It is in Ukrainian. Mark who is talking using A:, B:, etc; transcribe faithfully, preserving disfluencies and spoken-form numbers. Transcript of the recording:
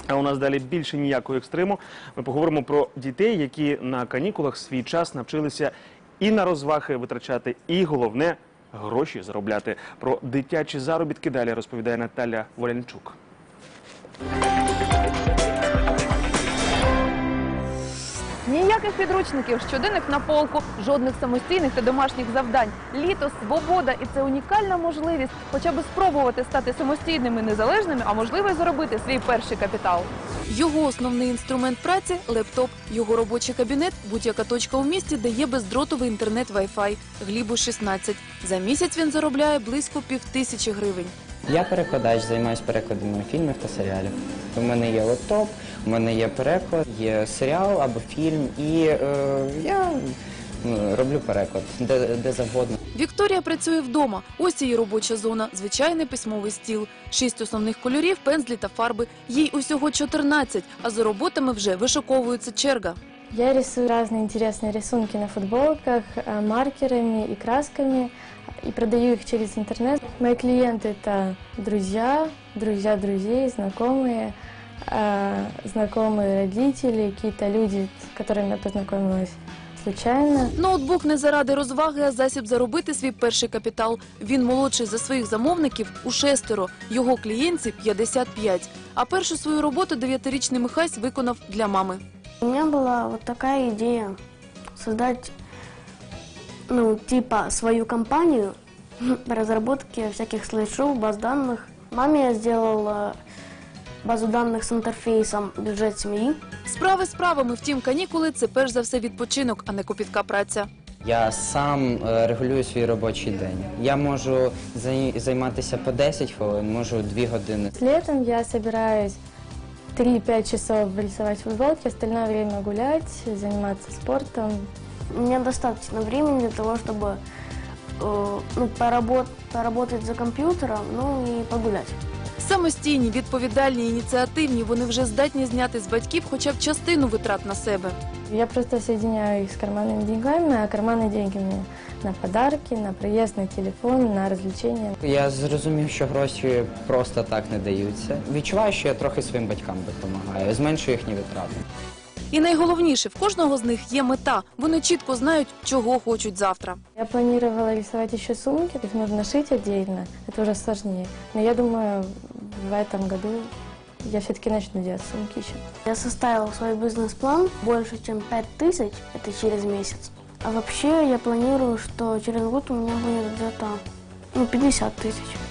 A: А у нас далі більше ніякого екстриму. Ми поговоримо про дітей, які на канікулах свій час навчилися і на розваги витрачати, і, головне, гроші заробляти. Про дитячі заробітки далі розповідає Наталя Волянчук.
B: Ніяких підручників, щоденник на полку, жодних самостійних та домашніх завдань. Літо, свобода – і це унікальна можливість хоча б спробувати стати самостійними, незалежними, а можливо й заробити свій перший капітал.
C: Його основний інструмент праці – лептоп. Його робочий кабінет – будь-яка точка у місті, де є бездротовий інтернет Wi-Fi. Глібу шістнадцять. За місяць він заробляє близько півтисячі гривень.
D: Я перекладач, займаюся перекладами фільмів та серіалів. У мене є лептоп, у мене є переклад, є серіал або фільм, і е, я ну, роблю переклад де, де завгодно.
C: Вікторія працює вдома. Ось її робоча зона – звичайний письмовий стіл. Шість основних кольорів, пензлі та фарби. Їй усього чотирнадцять, а за роботами вже вишуковується черга.
E: Я рисую разные интересные рисунки на футболках, маркерами и красками, и продаю их через интернет. Мои клиенты – это друзья, друзья друзей, знакомые, знакомые родители, какие-то люди, с которыми я познакомилась случайно.
C: Ноутбук не заради розваги, а засіб заробити свій перший капітал. Він молодший за своїх замовників у шестеро, його клієнтів – п'ятдесят п'ять. А першу свою роботу дев'ятирічний Михась виконав для мами.
F: У меня была вот такая идея создать, ну, типа свою компанию по разработке всяких слайд-шоу, баз данных. Маме я сделала базу данных с интерфейсом «Бюджет семьи».
C: Справи справами, втім, канікули – це перш за все відпочинок, а не копітка праця.
D: Я сам е, регулюю свій робочий день. Я можу зай- займатися по десять хвилин, можу дві години.
E: Летом я собираюсь три-пять часов рисовать футболки, остальное время гулять, заниматься спортом.
F: У меня достаточно времени для того, чтобы э, ну, поработ- поработать за компьютером, ну и погулять.
C: Самостійні, відповідальні, ініціативні, вони вже здатні зняти з батьків хоча б частину витрат на себе.
E: Я просто соединяю их с карманными деньгами, а карманные деньги мне на подарки, на проезд, на телефон, на развлечения.
D: Я зрозумів, що гроші просто так не даються. Відчуваю, що я трохи своїм батькам допомагаю, зменшую їхні витрати.
C: І найголовніше, в кожного з них є мета. Вони чітко знають, чого хочуть завтра.
E: Я планировала рисовать еще сумки, их нужно шить отдельно, это уже сложнее. Но я думаю, в этом году я все-таки начну делать сумки еще.
F: Я составила свой бизнес-план больше, чем пять тысяч, это через месяц. А вообще я планирую, что через год у меня будет где-то ну, пятьдесят тысяч.